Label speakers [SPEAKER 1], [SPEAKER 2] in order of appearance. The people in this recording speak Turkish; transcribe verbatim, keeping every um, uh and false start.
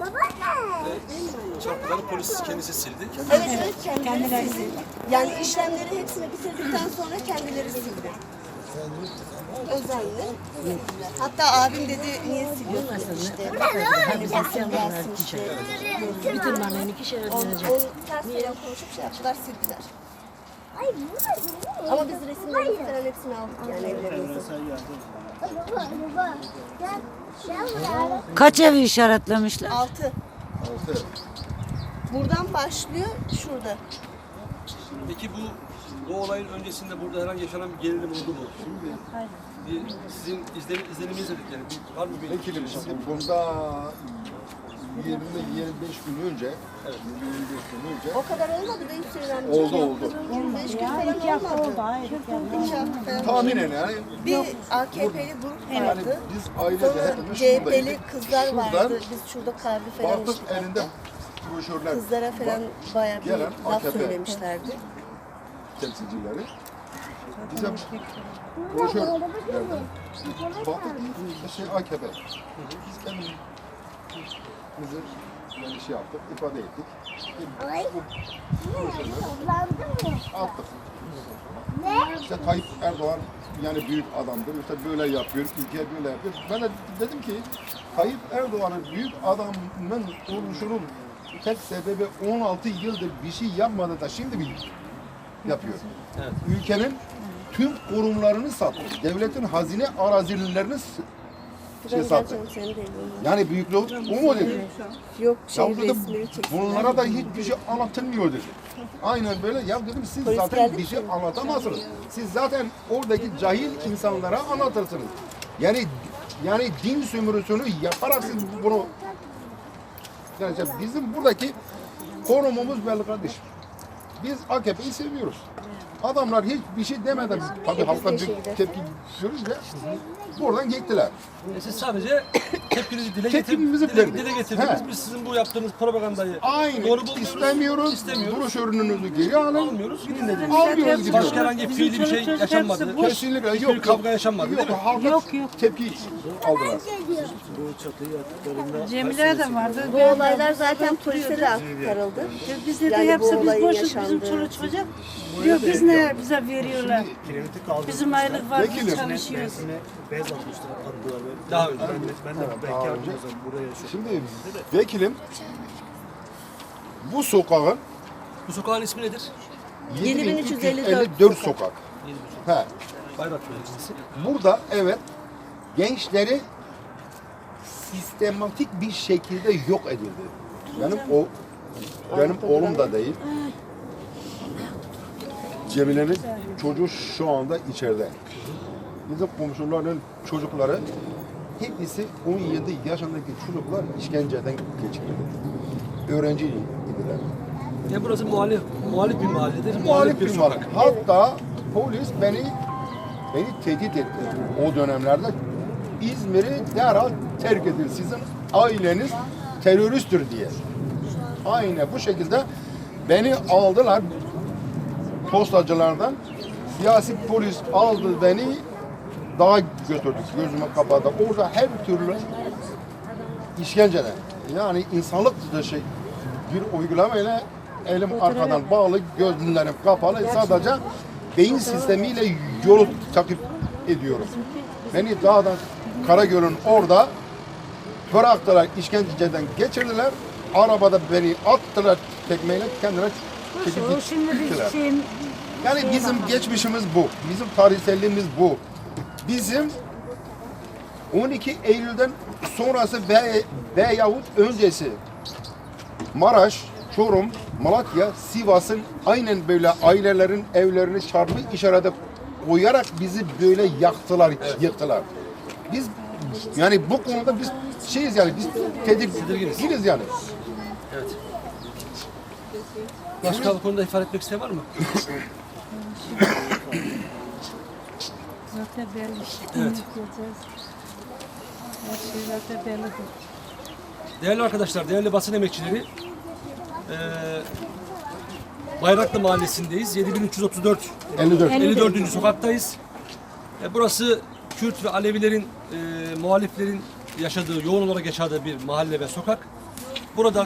[SPEAKER 1] Ve çarpıları polis kendisi sildi.
[SPEAKER 2] Evet evet kendileri sildi. Yani işlemleri hepsini bitirdikten sonra kendileri sildi. Özenle. Hatta abim dedi niye siliyorsun işte. Hani basın gelsin işte.
[SPEAKER 3] Bütün malını iki şere
[SPEAKER 2] Onu,
[SPEAKER 3] dönecek.
[SPEAKER 2] onu ters falan konuşup şey yaptılar sildiler. Ama biz resimlerini falan hepsini aldık yani evlerimizde.
[SPEAKER 3] Kaç evi işaretlemişler?
[SPEAKER 2] Altı. Buradan başlıyor şurada.
[SPEAKER 1] Peki bu bu olayın öncesinde burada herhangi yaşanan bir gerilim oldu mu? Bir, sizin izlenim, izleniminiz dedik yani. Bir, var mı bir
[SPEAKER 4] Vekilim şimdi bunda yirmi yirmi beş gün önce,
[SPEAKER 1] Evet.
[SPEAKER 4] yirmi beş gün önce
[SPEAKER 2] O kadar olmadı da Hüseyin amca.
[SPEAKER 4] oldu oldu.
[SPEAKER 2] yirmi beş gün falan olmadı. İki hafta falan.
[SPEAKER 4] Tahminen yani
[SPEAKER 2] Bir A K P'li grup
[SPEAKER 4] yani
[SPEAKER 2] vardı.
[SPEAKER 4] biz ailece
[SPEAKER 2] Sonra
[SPEAKER 4] hepimiz
[SPEAKER 2] C H P'li
[SPEAKER 4] şuradaydık.
[SPEAKER 2] kızlar
[SPEAKER 4] Şuradan
[SPEAKER 2] vardı. Biz şurada kahve falan
[SPEAKER 4] baktık
[SPEAKER 2] içtik.
[SPEAKER 4] elinde
[SPEAKER 2] hatta.
[SPEAKER 4] broşürler
[SPEAKER 2] Kızlara falan bayağı bir
[SPEAKER 4] Gelen
[SPEAKER 2] laf
[SPEAKER 4] A K P.
[SPEAKER 2] söylemişlerdi.
[SPEAKER 4] temsilcileri. Bize broşür verdi. Baktık bir şey A K P. Biz kendimizi yani şey yaptık, ifade ettik. Bu broşürleri attık. İşte Tayyip Erdoğan yani büyük adamdır, işte böyle yapıyor, ülke böyle yapıyor. Ben de dedim ki Tayyip Erdoğan'ın büyük adamın oluşunun tek sebebi on altı yıldır bir şey yapmadı da şimdi bir yapıyor.
[SPEAKER 1] Evet.
[SPEAKER 4] Ülkenin tüm kurumlarını sattı. Devletin hazine arazilerini s- şey
[SPEAKER 2] Ben
[SPEAKER 4] sattı.
[SPEAKER 2] geleceğim seni de evlendim.
[SPEAKER 4] Yani büyüklüğü o mu dedi?
[SPEAKER 2] Yok
[SPEAKER 4] Ya
[SPEAKER 2] şey
[SPEAKER 4] burada
[SPEAKER 2] resmini çeksinler.
[SPEAKER 4] bunlara da hiçbir şey anlatılmıyor dedi. Aynen böyle. Ya dedim siz
[SPEAKER 2] Polis
[SPEAKER 4] zaten
[SPEAKER 2] geldi
[SPEAKER 4] bir şey
[SPEAKER 2] mi?
[SPEAKER 4] anlatamazsınız. Siz zaten oradaki cahil insanlara anlatırsınız. Yani yani din sömürüsünü yaparak siz bunu yani işte bizim buradaki konumumuz belli kardeşim. Biz A K P'yi seviyoruz. Adamlar hiçbir şey demeden tabii halka bir tepki görünce buradan gittiler.
[SPEAKER 1] E siz sadece tepkinizi dile,
[SPEAKER 4] Tepkimizi
[SPEAKER 1] getir, dile,
[SPEAKER 4] verdik.
[SPEAKER 1] dile getirdiniz.
[SPEAKER 4] He.
[SPEAKER 1] Biz sizin bu yaptığınız propagandayı
[SPEAKER 4] Aynı
[SPEAKER 1] doğru bulmuyoruz.
[SPEAKER 4] istemiyoruz.
[SPEAKER 1] İstemiyoruz.
[SPEAKER 4] Broşürünüzü geri alın.
[SPEAKER 1] Almıyoruz. Gidin dediniz.
[SPEAKER 4] Almıyoruz gidiyoruz.
[SPEAKER 1] Başka herhangi bir fiili bir şey yaşanmadı.
[SPEAKER 4] Kesinlikle
[SPEAKER 1] Hiçbir
[SPEAKER 4] yok.
[SPEAKER 1] kavga yaşanmadı
[SPEAKER 4] Yok,
[SPEAKER 1] değil mi?
[SPEAKER 4] halka
[SPEAKER 3] Yok, yok.
[SPEAKER 4] tepki aldılar.
[SPEAKER 3] Cemile de vardı.
[SPEAKER 2] Bu olaylar zaten polise de aktarıldı.
[SPEAKER 3] Bize de
[SPEAKER 2] Yani bu
[SPEAKER 3] hepsi biz
[SPEAKER 2] olayın
[SPEAKER 3] boşuz, bizim
[SPEAKER 2] yaşandığı-
[SPEAKER 3] çoluk çocuk. Diyor biz ne bize veriyorlar. Bizim aylık var, biz
[SPEAKER 4] Vekilim.
[SPEAKER 3] çalışıyoruz.
[SPEAKER 5] Bez atmışlar, attılar böyle.
[SPEAKER 1] Daha önce.
[SPEAKER 5] Ben de, ben de
[SPEAKER 4] Daha
[SPEAKER 5] bekardım
[SPEAKER 4] önce.
[SPEAKER 5] o zaman buraya şu.
[SPEAKER 4] Şimdi vekilim bu sokağın
[SPEAKER 1] Bu sokağın ismi nedir?
[SPEAKER 2] yedi bin üç yüz elli dört
[SPEAKER 4] yedi bin üç yüz elli dört
[SPEAKER 2] sokak.
[SPEAKER 4] sokak. He.
[SPEAKER 1] Bayrak Belediyesi.
[SPEAKER 4] Burada evet gençleri sistematik bir şekilde yok edildi. Benim o benim oğlum da değil. Cemile'nin çocuğu şu anda içeride. Bizim komşuların çocukları hepsi on yedi yaşındaki çocuklar işkenceden geçirildi. Öğrenci idiler.
[SPEAKER 1] Ya burası muhalif, muhalif bir mahalledir.
[SPEAKER 4] Muhalif bir
[SPEAKER 1] sokak.
[SPEAKER 4] var. Hatta polis beni beni tehdit etti o dönemlerde. İzmir'i derhal terk edin. Sizin aileniz teröristtir diye. Aynı bu şekilde beni aldılar postacılardan. Siyasi polis aldı beni dağa götürdük. Gözümü kapadı. Orada her türlü işkenceden yani insanlık dışı bir uygulamayla elim arkadan bağlı, gözlerim kapalı. Sadece beyin sistemiyle yolu takip ediyorum. Beni dağdan Karagöl'ün orada bıraktılar, işkenceden geçirdiler. Arabada beni attılar tekmeyle kendine çekip
[SPEAKER 3] O şimdi bir
[SPEAKER 4] gittiler.
[SPEAKER 3] şeyin
[SPEAKER 4] Yani bizim geçmişimiz bu. Bizim tarihselliğimiz bu. Bizim on iki Eylül'den sonrası ve veyahut öncesi Maraş, Çorum, Malatya, Sivas'ın aynen böyle ailelerin evlerini çarpı işarete koyarak bizi böyle yaktılar, yıktılar. Biz yani bu konuda biz şeyiz yani biz tedirginiz yani.
[SPEAKER 1] Evet. Başka bu konuda ifade etmek isteyen var mı?
[SPEAKER 3] zaten belli.
[SPEAKER 1] Evet.
[SPEAKER 3] Her şey zaten belli.
[SPEAKER 1] Değerli arkadaşlar, değerli basın emekçileri, eee Bayraklı Mahallesi'ndeyiz. yedi bin üç yüz otuz dört
[SPEAKER 4] elli dört.
[SPEAKER 1] elli dördüncü sokaktayız. E, burası Kürt ve Alevilerin, e, muhaliflerin yaşadığı, yoğun olarak yaşadığı bir mahalle ve sokak. Burada